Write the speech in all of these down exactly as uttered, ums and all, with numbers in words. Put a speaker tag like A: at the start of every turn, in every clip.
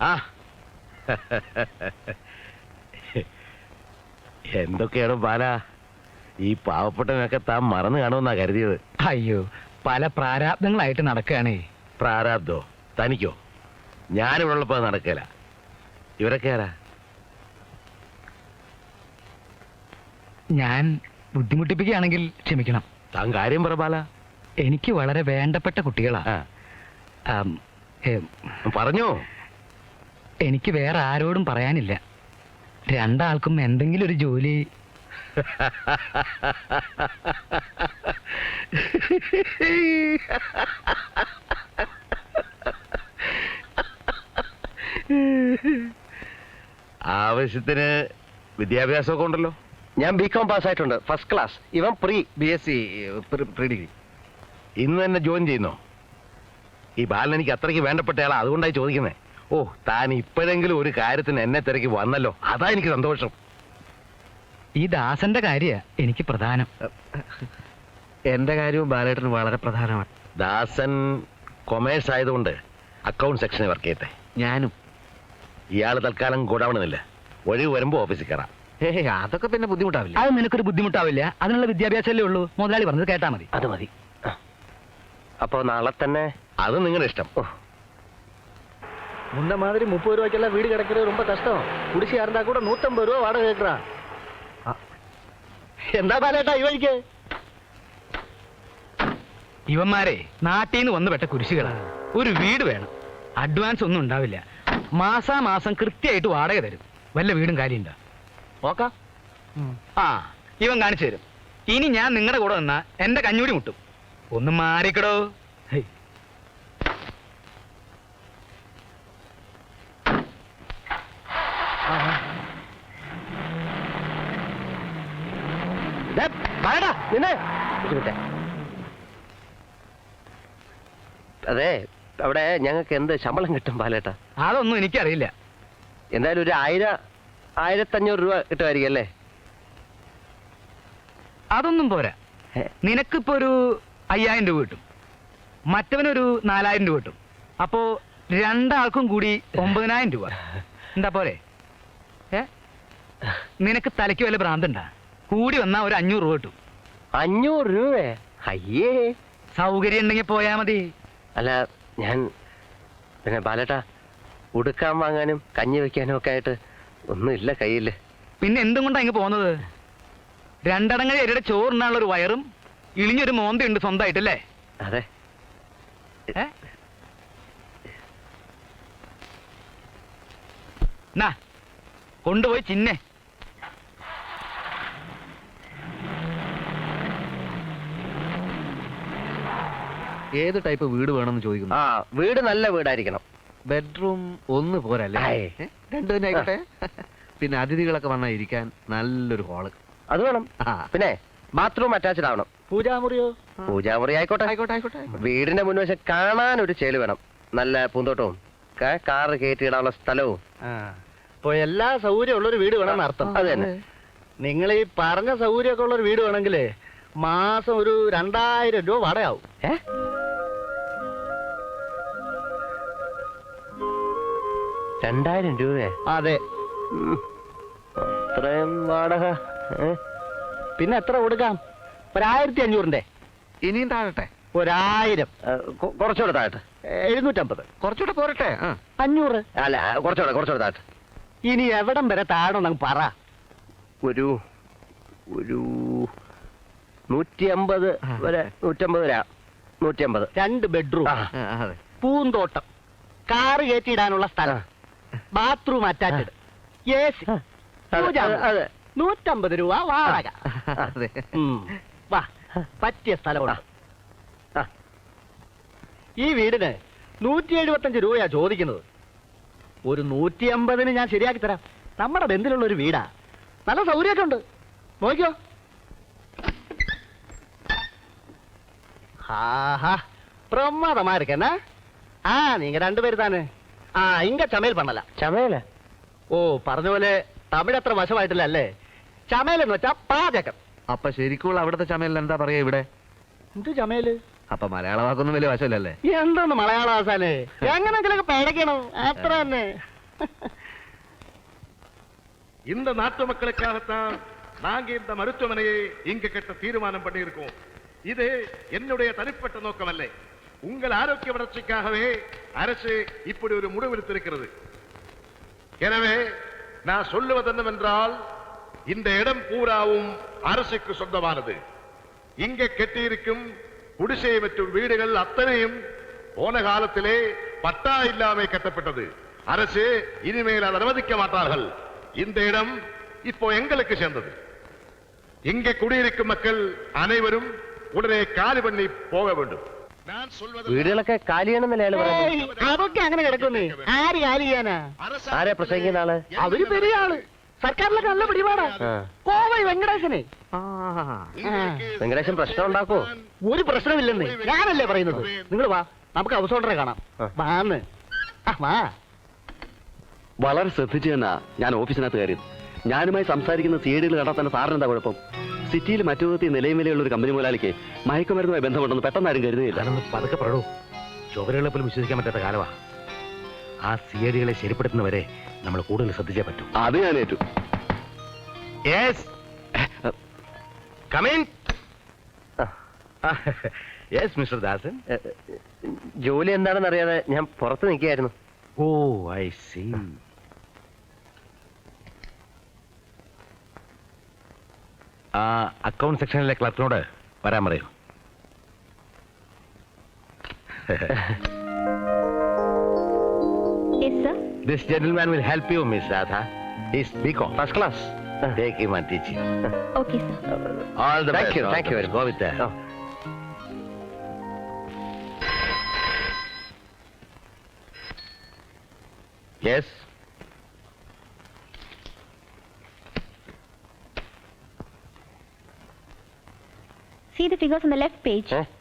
A: ആ എന്തൊക്കെയാണ് ബാല ഈ പാവപ്പെട്ടവനൊക്കെ താൻ മറന്നു കാണുമെന്നാ കരുതിയത്.
B: അയ്യോ, പല പ്രാരാബ്ദങ്ങളായിട്ട് നടക്കുകയാണേ.
A: പ്രാരാബ്ദോ? തനിക്കോ? ഞാനിവിടെ ഉള്ളപ്പോ നടക്കില്ല. ഇവരൊക്കെ ആരാ?
B: ഞാൻ ബുദ്ധിമുട്ടിപ്പിക്കുകയാണെങ്കിൽ ക്ഷമിക്കണം.
A: താൻ കാര്യം പറ ബാല.
B: എനിക്ക് വളരെ വേണ്ടപ്പെട്ട കുട്ടികളാ.
A: പറഞ്ഞോ.
B: എനിക്ക് വേറെ ആരോടും പറയാനില്ല. രണ്ടാൾക്കും എന്തെങ്കിലും ഒരു ജോലി.
A: ആവശ്യത്തിന് വിദ്യാഭ്യാസമൊക്കെ ഉണ്ടല്ലോ.
C: ഞാൻ ബി കോം പാസ്സായിട്ടുണ്ട്, ഫസ്റ്റ് ക്ലാസ്. ഇവൻ pre B S C pre degree.
A: ഇന്ന് തന്നെ ജോയിൻ ചെയ്യുന്നോ? ഈ ബാലൻ എനിക്ക് അത്രയ്ക്ക് വേണ്ടപ്പെട്ടയാളാ, അതുകൊണ്ടായി ചോദിക്കുന്നേ. ഓ, താൻ ഇപ്പോഴെങ്കിലും ഒരു കാര്യത്തിന് എന്നെ തിരക്കി വന്നല്ലോ, അതാ എനിക്ക് സന്തോഷം.
B: ഈ ദാസന്റെ കാര്യ എനിക്ക് പ്രധാനം.
C: എന്റെ കാര്യവും ബാലേട്ടന് വളരെ പ്രധാനമാണ്.
A: ദാസൻ കൊമേഴ്സ് ആയതുകൊണ്ട് അക്കൗണ്ട് സെക്ഷനിൽ വർക്ക് ചെയ്യട്ടെ.
C: ഞാനും.
A: ഇയാള് തൽക്കാലം ഗോഡൌണില്ല, ഒഴിവ് വരുമ്പോ ഓഫീസിൽ കയറാം.
C: ഏ അതൊക്കെ പിന്നെ ബുദ്ധിമുട്ടാവില്ല.
B: അത് നിനക്കൊരു ബുദ്ധിമുട്ടാവില്ല. അതിനുള്ള വിദ്യാഭ്യാസമല്ലേ ഉള്ളൂ. മുതലാളി പറഞ്ഞത് കേട്ടാ മതി.
C: അത് മതി. അപ്പൊ നാളെ തന്നെ.
A: അത് നിങ്ങളുടെ ഇഷ്ടം.
C: முன்ன மாதிரி முப்பது ரூபாய்க்கெல்லாம் வீடு கிடைக்கிறது ரொம்ப கஷ்டம். குடிசையா இருந்தா கூட நூத்தம்பது ரூபா வாடகை கேட்கறான். എന്താ ബാലേട്ടാ ഈ വഴിക്ക്?
B: ഇവന്മാരെ നാട്ടിൽ നിന്ന് വന്ന് പെട്ട കുരിശുകളാണ്. ഒരു വീട് വേണം, അഡ്വാൻസ് ഒന്നും ഉണ്ടാവില്ല. മാസാമാസം കൃത്യമായിട്ട് വാടക തരും. വല്ല വീടും കാര്യമുണ്ടോ
C: നോക്കാം.
B: ആ, ഇവൻ കാണിച്ചു തരും. ഇനി ഞാൻ നിങ്ങളുടെ കൂടെ വന്നാ എന്റെ കഞ്ഞൂടി മുട്ടും. ഒന്ന് മാറിക്കടോ.
C: അതെ, അവിടെ ഞങ്ങൾക്ക് എന്ത് ശമ്പളം കിട്ടും ബാലേട്ടാ?
B: അതൊന്നും എനിക്കറിയില്ല.
C: എന്തായാലും ഒരു ആയിരം ആയിരത്തഞ്ഞൂറ് രൂപ കിട്ടുമായിരിക്കും അല്ലേ?
B: അതൊന്നും പോരാ. നിനക്കിപ്പോ ഒരു അയ്യായിരം രൂപ കിട്ടും, മറ്റവനൊരു നാലായിരം രൂപ കിട്ടും. അപ്പോ രണ്ടാൾക്കും കൂടി ഒമ്പതിനായിരം രൂപ. എന്താ പോരെ? ഏ നിനക്ക് തലയ്ക്ക് വല്ല ഭ്രാന്തണ്ടാ? കൂടി വന്നാ ഒരു അഞ്ഞൂറ് രൂപ കിട്ടും.
C: അഞ്ഞൂറ് രൂപ? അയ്യേ.
B: സൗകര്യം ഉണ്ടെങ്കിൽ പോയാ മതി.
C: അല്ല, ഞാൻ പിന്നെ ബാലേട്ടാ ഉടുക്കാൻ വാങ്ങാനും കഞ്ഞി വെക്കാനും ഒക്കെ ആയിട്ട് ഒന്നുമില്ല കയ്യില്.
B: പിന്നെ എന്തും കൊണ്ടാ ഇങ്ങ് പോകുന്നത്? രണ്ടടങ്ങഴി അരിയുടെ ചോറിനാനുള്ള ഒരു വയറും ഇളിഞ്ഞൊരു മോന്തയുണ്ട് സ്വന്തമായിട്ടല്ലേ?
C: അതെ.
B: നാ കൊണ്ടുപോയി ചിന്നെ.
C: ഏത് ടൈപ്പ് വീട് വേണമെന്ന് ചോദിക്കുന്നു. ആ, വീട് നല്ല വീടായിരിക്കണം. ബെഡ്റൂം ഒന്ന് പോരല്ലേ? രണ്ടു തന്നെ ആയിക്കോട്ടെ. പിന്നെ അതിഥികളൊക്കെ വന്നാൽ ഇരിക്കാൻ നല്ലൊരു ഹാള് അത് വേണം. പിന്നെ ബാത്റൂം അറ്റാച്ച്ഡ് ആവണം. പൂജാമുറിയോ? പൂജാമുറി ആയിക്കോട്ടെ ആയിക്കോട്ടെ ആയിക്കോട്ടെ. വീടിന്റെ മുൻവശം കാണാൻ ഒരു ചേല് വേണം. നല്ല പൂന്തോട്ടവും കാറ് കയറ്റിയിടാനുള്ള സ്ഥലവും.
D: ഇപ്പൊ എല്ലാ സൗകര്യം ഉള്ളൊരു വീട് വേണമെന്ന് അർത്ഥം.
C: അത് തന്നെ.
D: നിങ്ങൾ ഈ പറഞ്ഞ സൗകര്യമൊക്കെ ഉള്ളൊരു വീട് വേണമെങ്കിലേ മാസം ഒരു രണ്ടായിരം രൂപ വാടകയാവും.
C: ഏ രണ്ടായിരം രൂപ?
D: അതെ.
C: അത്രയും വാടക?
D: പിന്നെ എത്ര കൊടുക്കാം? ഒരായിരത്തി അഞ്ഞൂറിന്റെ.
C: ഇനിയും താഴട്ടെ?
D: ഒരായിരം.
C: കുറച്ചുകൂടെ താഴട്ടെ?
D: എഴുന്നൂറ്റമ്പത്.
C: കുറച്ചുകൂടെ പോരട്ടെ?
D: അഞ്ഞൂറ്.
C: അല്ല, കുറച്ചുകൂടെ കുറച്ചുകൂടെ താഴട്ടെ.
D: ഇനി എവിടം വരെ താഴണം പറ.
C: ഒരു ഒരു നൂറ്റി അമ്പത് വരെ. നൂറ്റമ്പത് വരാ. നൂറ്റി അമ്പത്.
D: രണ്ട് ബെഡ്റൂം, പൂന്തോട്ടം, കാറ് കയറ്റിയിടാനുള്ള സ്ഥലം, ബാത്റൂം അറ്റാച്ച്ഡ്, എ സി, നൂറ്റമ്പത് രൂപ വാടക. വാ, പറ്റിയ സ്ഥലമാണ്. ഈ വീടിന് നൂറ്റി എഴുപത്തഞ്ച് രൂപയാ ചോദിക്കുന്നത്. ഒരു നൂറ്റി അമ്പതിന് ഞാൻ ശരിയാക്കി തരാം. നമ്മുടെ ബന്ധത്തിലുള്ള ഒരു വീടാ, നല്ല സൗകര്യമൊക്കെ ഉണ്ട്. നോക്കിയോ? ஆஹா, பிரமாதமா இருக்கேன்னா. ஆ நீங்க ரெண்டு பேர் தானே? ஆ இங்க சமையல் பண்ணலாம்.
C: ചമയല?
D: ഓ, പറഞ്ഞ പോലെ തമിഴ് അത്ര വശമായിട്ടില്ല അല്ലേ? ചമയൽ എന്ന് വെച്ചാ പാചകം.
C: അപ്പൊ ശരിക്കുള്ള അവിടുത്തെ ചമയൽ എന്താ പറയാ ഇവിടെ?
D: എന്ത് ചമയല്?
C: അപ്പൊ മലയാള വാക്കൊന്നും വലിയ വശമില്ലല്ലേ?
D: എന്തൊന്ന് മലയാള ആസാനേ, എങ്ങനെങ്കിലൊക്കെ പഴക്കണം, അത്ര തന്നെ.
E: இந்த நாட்டு மக்களுக்காகத்தான் நாங்க இந்த மருத்துவமனையை இங்க கட்ட தீர்மானம் பண்ணியிருக்கோம். இது என்னுடைய தனிப்பட்ட நோக்கம் அல்ல. உங்கள் ஆரோக்கிய வளர்ச்சிக்காகவே அரசு இப்படி ஒரு முடிவெடுத்திருக்கிறது. எனவே நான் சொல்லுவது என்னவென்றால், இந்த இடம் பூராவும் அரசுக்கு சொந்தமானது. இங்கே கட்டியிருக்கும் குடிசை மற்றும் வீடுகள் அத்தனையும் போன காலத்திலே பட்டா இல்லாமல் கட்டப்பட்டது. அரசு இனிமேல் அதை அனுமதிக்க மாட்டார்கள். இந்த இடம் இப்போ எங்களுக்கு சேர்ந்தது. இங்கே குடியிருக்கும் மக்கள் அனைவரும் உடனே காலி பண்ணி போக வேண்டும். நான் சொல்வது
C: വീടുകളൊക്കെ കാലിയാണെന്നല്ലേ അയാള് പറയുന്നത്?
D: അതൊക്കെ അങ്ങനെ കിടക്കുന്നേ. ആര് കാലി ചെയ്യാനാ?
C: ആരാ പ്രസംഗിക്കുന്ന ആള്?
D: അവര് പെരിയ ആള്. സർക്കാരിലൊക്കെ നല്ല പിടിപാടാ.
C: ആ.
D: കോവൈ വെങ്കടേശനെ.
C: വെങ്കടേശൻ പ്രശ്നം ഉണ്ടാക്കോ?
D: ഒരു പ്രശ്നമില്ലെന്ന് ഞാനല്ലേ പറയുന്നത്. നിങ്ങൾ വാ, നമുക്ക് അവസോണ്ടറെ കാണാം. വാന്ന് ആ, വാ.
F: വളരെ ശ്രദ്ധിച്ചു തന്നാ ഞാൻ ഓഫീസിനകത്ത് കയറിയത്. ഞാനുമായി സംസാരിക്കുന്ന സി ഡികൾ കണ്ടാൽ തന്നെ സാറിന് എന്താ കുഴപ്പം? സിറ്റിയിൽ മറ്റു വിധത്തിൽ നിലയും വിലയുള്ള ഒരു കമ്പനി മുതലാളിക്ക് മയക്കുമരുന്നുമായി ബന്ധമുണ്ടെന്ന് പെട്ടെന്ന് ആരും കരുതുകയില്ല.
A: അതൊന്ന് പതുക്കെ പറയൂ. ചുവരുകളെ പോലും വിശ്വസിക്കാൻ പറ്റാത്ത കാലമാ. ആ സിയടികളെ ശരിപ്പെടുത്തുന്നവരെ നമ്മൾ കൂടുതൽ ശ്രദ്ധിച്ചേ പറ്റൂ.
F: അത് ഞാൻ ഏറ്റു.
A: Yes come in. Yes mister Dasan.
C: ജോലി എന്താണെന്ന് അറിയാതെ ഞാൻ പുറത്ത് നിൽക്കുകയായിരുന്നു.
A: Oh I see. ആ അക്കൗണ്ട് സെക്ഷനിലെ ക്ലർക്കിനോട് വരാൻ പറയൂ.
G: Yes, sir.
A: This gentleman will help you, Miss Radha. He's B Com, first class. Take him and teach him.
G: Okay, sir.
A: All the
C: Thank
A: best.
C: you,
A: all
C: thank
A: the
C: you
A: best.
C: very
A: Go
C: much.
A: with that.
C: Oh.
A: Yes.
G: See the figures on the left page.
C: Eh?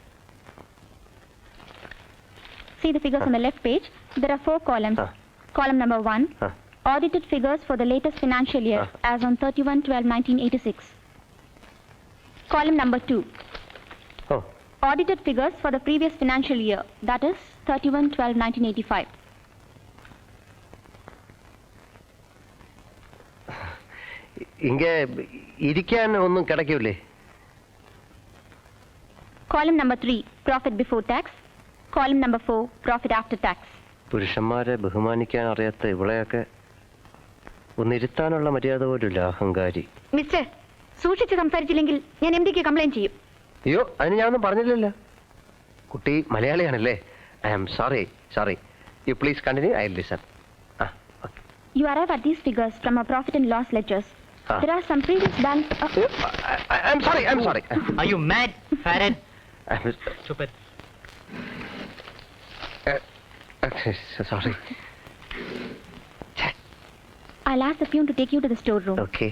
G: See the figures on the left page. There are four columns.
C: Huh.
G: Column number one,
C: Huh.
G: audited figures for the latest financial year
C: Huh.
G: as on thirty-one twelve nineteen eighty-six. Column number two,
C: Oh.
G: audited figures for the previous financial year, that is thirty-one twelve nineteen eighty-five.
C: ഇങ്ങ ഇരിക്കാൻ ഒന്നും കിടക്കൂലേ?
G: Column number three, profit before tax. Column number four, profit after tax.
C: പുരുഷന്മാരെ ബഹുമാനിക്കാൻ അറിയാത്ത ഇവളെയൊക്കെ ഒന്നിരുത്താനുള്ള മര്യാദ പോലുമില്ല, അഹങ്കാരി.
G: Mister, സൂക്ഷിച്ച് സംസാരിച്ചില്ലെങ്കിൽ ഞാൻ എം ഡിക്ക് കംപ്ലൈന്റ് ചെയ്യും.
C: അയ്യോ, അതിന് ഞാനൊന്നും പറഞ്ഞില്ലല്ലോ. കുട്ടി മലയാളിയാണല്ലേ? I am sorry sorry. You please continue, I will listen. ആ, okay.
G: You arrive at these figures from our profit and loss ledgers.
C: Ah.
G: There are some previous balance. Uh,
C: I am sorry I am sorry.
B: Are you mad, Farad?
C: Stupid. Sorry.
G: I'll ask the peon to take you to the storeroom.
C: Okay.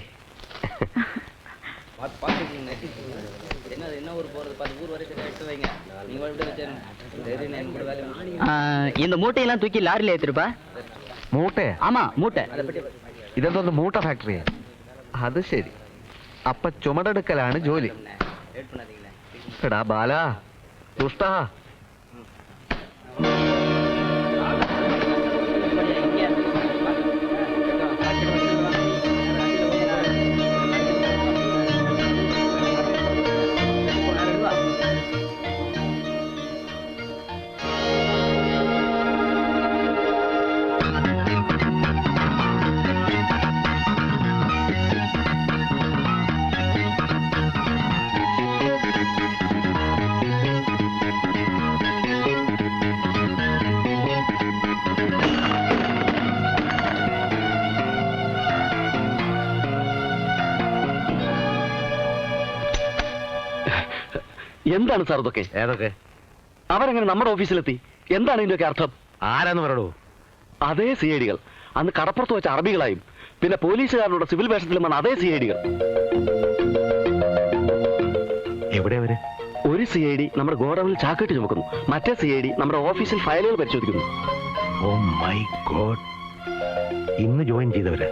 B: இந்த மூட்டையெல்லாம் தூக்கி லாரில ஏத்திருப்பா.
C: മൂട്ടയാ?
B: ஆமா, மூட்டை.
C: ഇതെന്തോന്ന് മൂട്ട ഫാക്ടറിയാ? അത് ശരി. അപ്പൊ ചുമടെടുക്കലാണ് ജോലി. എടാ ബാല, ദുഷ്ടാ.
F: എന്താണ് സാർ ഇതൊക്കെ?
A: ഏതൊക്കെ?
F: അവരെങ്ങനെ നമ്മുടെ ഓഫീസിലെത്തി? എന്താണ് ഇതിന്റെയൊക്കെ അർത്ഥം?
A: ആരാന്ന് പറയൂ.
F: അതേ സി ഐ ഡികൾ അന്ന് കടപ്പുറത്ത് വെച്ച അറബികളായും പിന്നെ പോലീസുകാരുടെ സിവിൽ വേഷത്തിലും വന്ന അതേ സി ഐ ഡികൾ.
A: എവിടെ അവര്?
F: ഒരു സി ഐ ഡി നമ്മുടെ ഗോഡൌണിൽ ചാക്കിട്ട് ചുമക്കുന്നു, മറ്റേ സി ഐ ഡി നമ്മുടെ ഓഫീസിൽ ഫയലുകൾ പരിശോധിക്കുന്നു.
A: ഓ മൈ ഗോഡ്, ഇന്ന് ജോയിൻ ചെയ്തവര്.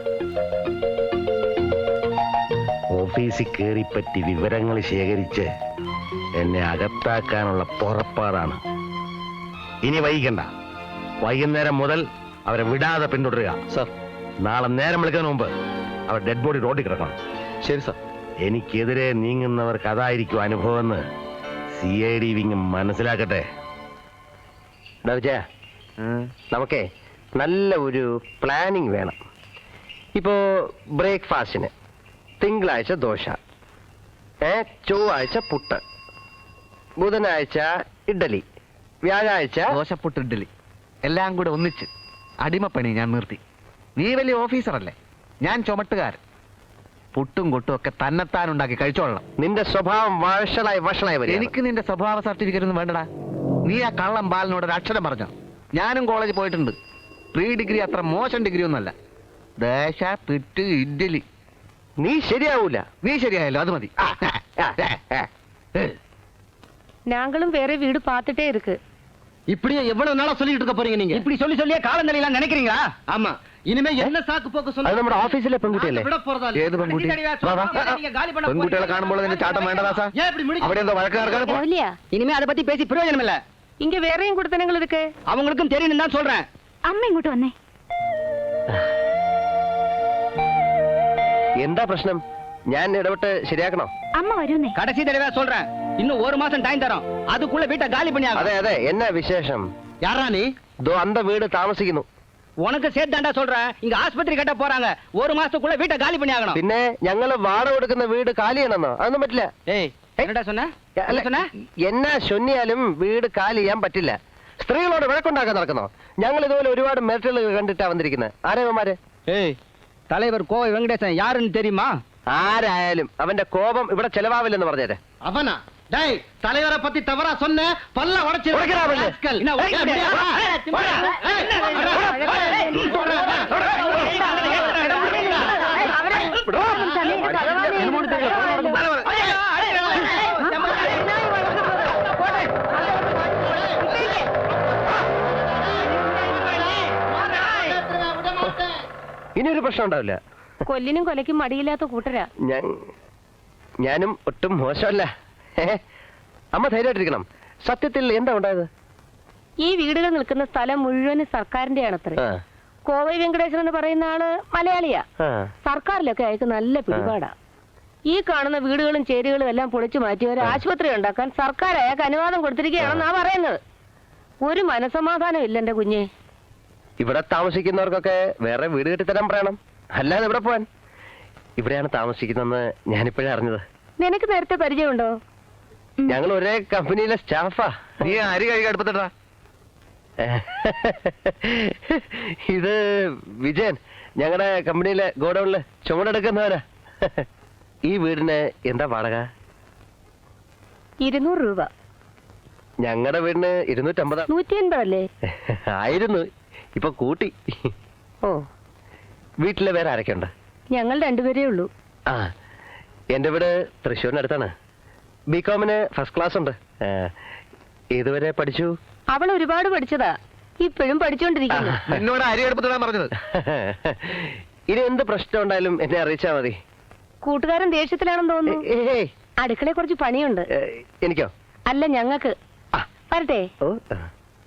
A: ഓഫീസിൽ കയറിപ്പറ്റി വിവരങ്ങൾ ശേഖരിച്ച് എന്നെ അകത്താക്കാനുള്ള പുറപ്പാടാണ്. ഇനി വൈകണ്ട. വൈകുന്നേരം മുതൽ അവരെ വിടാതെ പിന്തുടരുക.
F: സാർ.
A: നാളെ നേരം വിളിക്കുന്നതിന് മുമ്പ് അവർ ഡെഡ് ബോഡി റോഡിൽ കിടക്കണം.
F: ശരി സാർ.
A: എനിക്കെതിരെ നീങ്ങുന്നവർക്ക് അതായിരിക്കും അനുഭവം എന്ന് സി ഐ ഡി വിങ് മനസ്സിലാക്കട്ടെ.
C: വിജയ, നമുക്കേ നല്ല ഒരു പ്ലാനിങ് വേണം. ഇപ്പോ ബ്രേക്ക്ഫാസ്റ്റിന് തിങ്കളാഴ്ച ദോശ, ഏ ചൊവ്വാഴ്ച പുട്ട്, ബുധനാഴ്ച ഇഡ്ഡലി, വ്യാഴാഴ്ച
B: ദോശപ്പുട്ട് ഇഡ്ഡലി എല്ലാം കൂടെ ഒന്നിച്ച് അടിമപ്പണി ഞാൻ നിർത്തി. നീ വലിയ ഓഫീസറല്ലേ, ഞാൻ ചുമട്ടുകാരൻ. പുട്ടും കൊട്ടും ഒക്കെ തന്നെത്താൻ ഉണ്ടാക്കി കഴിച്ചോളണം.
C: നിന്റെ സ്വഭാവം വഷളായി വഷളായി വരും.
B: എനിക്ക് നിന്റെ സ്വഭാവ സർട്ടിഫിക്കറ്റ് ഒന്നും വേണ്ടടാ. നീ ആ കള്ളം ബാലിനോട് ഒരു അക്ഷരം പറഞ്ഞോ? ഞാനും കോളേജിൽ പോയിട്ടുണ്ട്. പ്രീ ഡിഗ്രി അത്ര മോശം ഡിഗ്രി ഒന്നല്ല. ദോശ പുട്ട് ഇഡ്ഡലി.
C: നീ ശരിയാവൂല.
B: നീ ശരിയായല്ലോ, അത് മതി.
H: நாங்களும் வேற வீடு பார்த்துட்டே இருக்கு.
D: இப்படியே எவ்வளவு நாளா சொல்லிட்டு இருக்க போறீங்க நீங்க?
B: இப்படி சொல்லி சொல்லியே காலம் நிலையெல்லாம் நினைக்கிறீங்களா?
D: ஆமா, ഇനിമേ എന്നെ സാക്ക് പോക്ക്
C: അത് നമ്മുടെ ഓഫീസിലെ പെൺകുട്ടിയല്ലേ?
B: ഏത് പെൺകുട്ടി? വാ, വാ. പെൺകുട്ടികളെ കാണുമ്പോൾ നിന്റെ ചാട്ടം വേണ്ടതാ സാർ? അവിടെ എന്തോ വഴക്ക് നടക്കാതെ പോ.
H: இல்லையா?
B: ഇനിമേ அதை பத்தி பேசி பிரயோஜனம் இல்ல.
H: இங்க வேறையும் கொடுத்தனங்கள் இருக்கு.
B: அவங்களுக்கும் தெரியும் தான் சொல்றேன்.
G: അമ്മ ഇങ്ങോട്ട് വന്നേ.
C: എന്താ പ്രശ്നം? ഞാൻ ഇടപെട്ട് ശരിയാക്കണോ?
G: അമ്മ വരുന്നേ.
B: கடைசி தடவை சொல்றேன், இன்னும் ஒரு மாசம் டைம் தரோம். அதுக்குள்ள வீட்டை காலி பண்ணி
C: അതെ അതെ, എന്നാ വിശേഷം?
D: யாரா நீ?
C: ദോ അന്ത വീട് താമസിക്കുന്നു.
B: உனக்கு சேர்த்து தாண்டா சொல்றேன். இங்க ஆஸ்பத்திரி கட்ட போறாங்க. ஒரு மாசத்துக்குள்ள வீட்டை காலி பண்ணி ஆகணும்.
C: പിന്നെ ഞങ്ങള് വാടക കൊടുക്കുന്ന വീട് കാലിയാണെന്നോ? അതൊന്നും പറ്റില്ല.
B: ஏய், என்னடா சொன்ன?
C: അല്ല,
B: என்ன சொன்ன?
C: എന്നാ ചൊന്നിയാലും വീട് കാലി ചെയ്യാൻ പറ്റില്ല. സ്ത്രീകളോട് വഴക്കുണ്ടാക്കാൻ നടക്കുന്നോ? ഞങ്ങൾ ഇതുപോലെ ഒരുപാട് മെറിറ്റുകൾ കണ്ടിട്ടാ വന്നിരിക്കുന്നത്. ആരേവന്മാര്?
B: ஏய், தலைவர் கோவை வெங்கடேசன் யாருன்னு தெரியுமா?
C: ആരായാലും അവന്റെ കോപം ഇവിടെ ചെലവാവില്ലെന്ന് പറഞ്ഞേരെ.
D: அவனா? டேய், தலைவரை பத்தி தவறா சொன்ன பல்ல உடைச்சு
C: உடைக்கிறா அவன்.
B: என்ன உடைக்க முடியா?
C: ഇനിയൊരു പ്രശ്നം ഉണ്ടാവില്ല.
H: കൊല്ലിനും കൊലയ്ക്കും മടിയില്ലാത്ത കൂട്ടരാ.
C: ഞാൻ ഞാനും ഒട്ടും മോശമല്ല. ഏ? അമ്മ ധൈര്യമായിട്ടിരിക്കണം. സത്യത്തിൽ എന്താ ഉണ്ടായത്?
H: ഈ വീടുകൾ നിൽക്കുന്ന സ്ഥലം മുഴുവനും സർക്കാരിന്റെ ആണത്രേ.
C: ആ,
H: കോവൈ വെങ്കടേശൻ എന്ന് പറയുന്ന ആള് മലയാളിയാ.
C: ആ.
H: സർക്കാരിലൊക്കെ അയക്ക് നല്ല പിടിപാടാ. ഈ കാണുന്ന വീടുകളും ചേരികളും എല്ലാം പൊളിച്ചു മാറ്റി ഒരു ആശുപത്രി ഉണ്ടാക്കാൻ സർക്കാർ അയാൾക്ക് അനുവാദം കൊടുത്തിരിക്കുകയാണെന്നാ പറയുന്നത്. ഒരു മനസമാധാനം ഇല്ല എന്റെ കുഞ്ഞെ.
C: ഇവിടെ താമസിക്കുന്നവർക്കൊക്കെ വേറെ വീട് കെട്ടിത്തരാൻ പറയണം. അല്ലാതെ ഇവിടെ പോവാൻ. ഇവിടെയാണ് താമസിക്കുന്നതെന്ന് ഞാനിപ്പോഴേ അറിഞ്ഞത്.
H: നിനക്ക് നേരത്തെ പരിചയമുണ്ടോ?
C: ഞങ്ങൾ ഒരേ കമ്പനിയിലെ സ്റ്റാഫാ.
B: നീ അരി കഴുകി അടുപ്പത്തിട്ടാ.
C: ഇത് വിജയൻ, ഞങ്ങളുടെ കമ്പനിയിലെ ഗോഡൌണില് ചുമടെടുക്കുന്നവനാ. ഈ വീടിന് എന്താ വാടക?
H: ഇരുന്നൂറ് രൂപ.
C: ഞങ്ങളുടെ വീടിന് ഇരുന്നൂറ്റമ്പതാ.
H: നൂറ്റി അൻപതല്ലേ?
C: ആയിരുന്നു, ഇപ്പൊ കൂട്ടി.
H: ഓ,
C: വീട്ടിലെ വേറെ ആരൊക്കെ ഉണ്ട്?
H: ഞങ്ങൾ രണ്ടുപേരേ ഉള്ളൂ.
C: ആ, എന്റെ വീട് തൃശ്ശൂരിനടുത്താണ്. ബികോമിന് ഫസ്റ്റ് ക്ലാസ് ഉണ്ട്. ആ, ഏതുവരെ പഠിച്ചു?
H: അവൾ ഒരുപാട് പഠിച്ചതാ, ഇപ്പോഴും പഠിച്ചുകൊണ്ടിരിക്കുന്നു.
B: എന്നോട് അരി അടുപ്പത്തിടാൻ പറഞ്ഞത്.
C: ഇനി എന്ത് പ്രശ്നം ഉണ്ടായാലും എന്നെ അറിയിച്ചാ മതി.
H: കൂട്ടുകാരൻ ദേഷ്യത്തിലാണെന്ന് തോന്നുന്നു.
C: ഏയ്,
H: അടുക്കളയെ കുറച്ച് പണിയുണ്ട്.
C: ഏ, എനിക്കോ?
H: അല്ല, ഞങ്ങൾക്ക്.
C: ആ.
H: വരട്ടെ.
C: ഓ, ആ.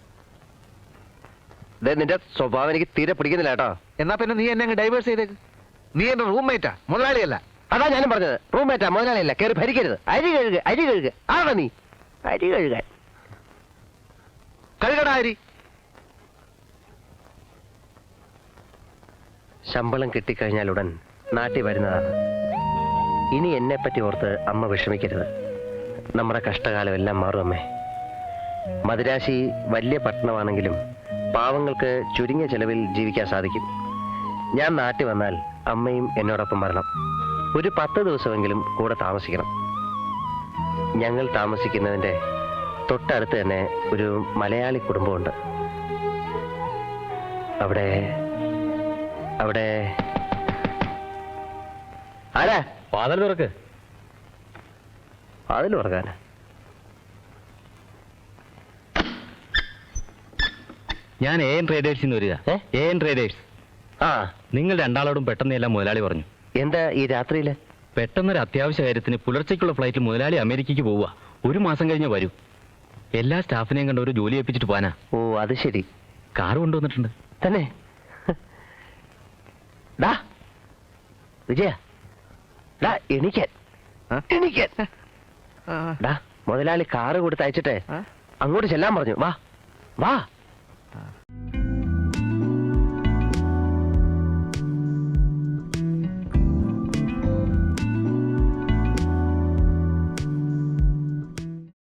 C: ദേ, നിന്റെ സ്വഭാവം എനിക്ക് തീരെ പിടിക്കുന്നില്ല കേട്ടോ.
B: എന്നാ പിന്നെ നീ എന്നെ ഡൈവേഴ്സ് ചെയ്തേക്ക്. നീ എന്റെ റൂംമേറ്റാ, മുതലാളിയല്ല.
C: അതാ ഞാനും പറഞ്ഞത്. റൂംമേറ്റാ, മുതലാളിയല്ല. കയറി ഭരിക്കരുത്. അരി കഴുക, അരി കഴുക. ആണോ നീ? അരി കഴുകാൻ.
B: കഴുകടാ അരി.
C: ശമ്പളം കിട്ടിക്കഴിഞ്ഞാൽ ഉടൻ നാട്ടിൽ വരുന്നതാണ്. ഇനി എന്നെ പറ്റി ഓർത്ത് അമ്മ വിഷമിക്കരുത്. നമ്മുടെ കഷ്ടകാലം എല്ലാം മാറും അമ്മേ. മദിരാശി വലിയ പട്ടണമാണെങ്കിലും പാവങ്ങൾക്ക് ചുരുങ്ങിയ ചെലവിൽ ജീവിക്കാൻ സാധിക്കും. ഞാൻ നാട്ടിൽ വന്നാൽ അമ്മയും എന്നോടൊപ്പം വരണം. ഒരു പത്ത് ദിവസമെങ്കിലും കൂടെ താമസിക്കണം. ഞങ്ങൾ താമസിക്കുന്നതിൻ്റെ തൊട്ടടുത്ത് തന്നെ ഒരു മലയാളി കുടുംബമുണ്ട്. അവിടെ അവിടെ ആരാ?
A: വാതിൽ തുറക്ക്.
C: അതിൽ ഉറങ്ങാനാ?
I: ഞാൻ എ എൻ ട്രേഡേഴ്സിൽ നിന്ന് വരിക.
C: ഏ?
I: A N traders.
C: ആ,
I: നിങ്ങൾ രണ്ടാളോടും പെട്ടെന്ന് എല്ലാം മുതലാളി പറഞ്ഞു.
C: എന്താ ഈ രാത്രിയില്?
I: പെട്ടെന്നൊരു അത്യാവശ്യ കാര്യത്തിന് പുലർച്ചയ്ക്കുള്ള ഫ്ലൈറ്റിൽ മുതലാളി അമേരിക്കയ്ക്ക് പോവുക. ഒരു മാസം കഴിഞ്ഞ് വരൂ. എല്ലാ സ്റ്റാഫിനെയും കണ്ട് ഒരു ജോലി ഏൽപ്പിച്ചിട്ട് പോകാനാ.
C: ഓ, അത് ശരി.
I: കാർ കൊണ്ടുവന്നിട്ടുണ്ട്.
C: തന്നെ
A: ഡാ വിജയ ഡാ എണീക്കാൻ എണീക്കാൻ ഡാ മുതലാളി കാറ് കൊടുത്ത് അയച്ചിട്ടെ അങ്ങോട്ട് ചെല്ലാൻ പറഞ്ഞു വാ വാ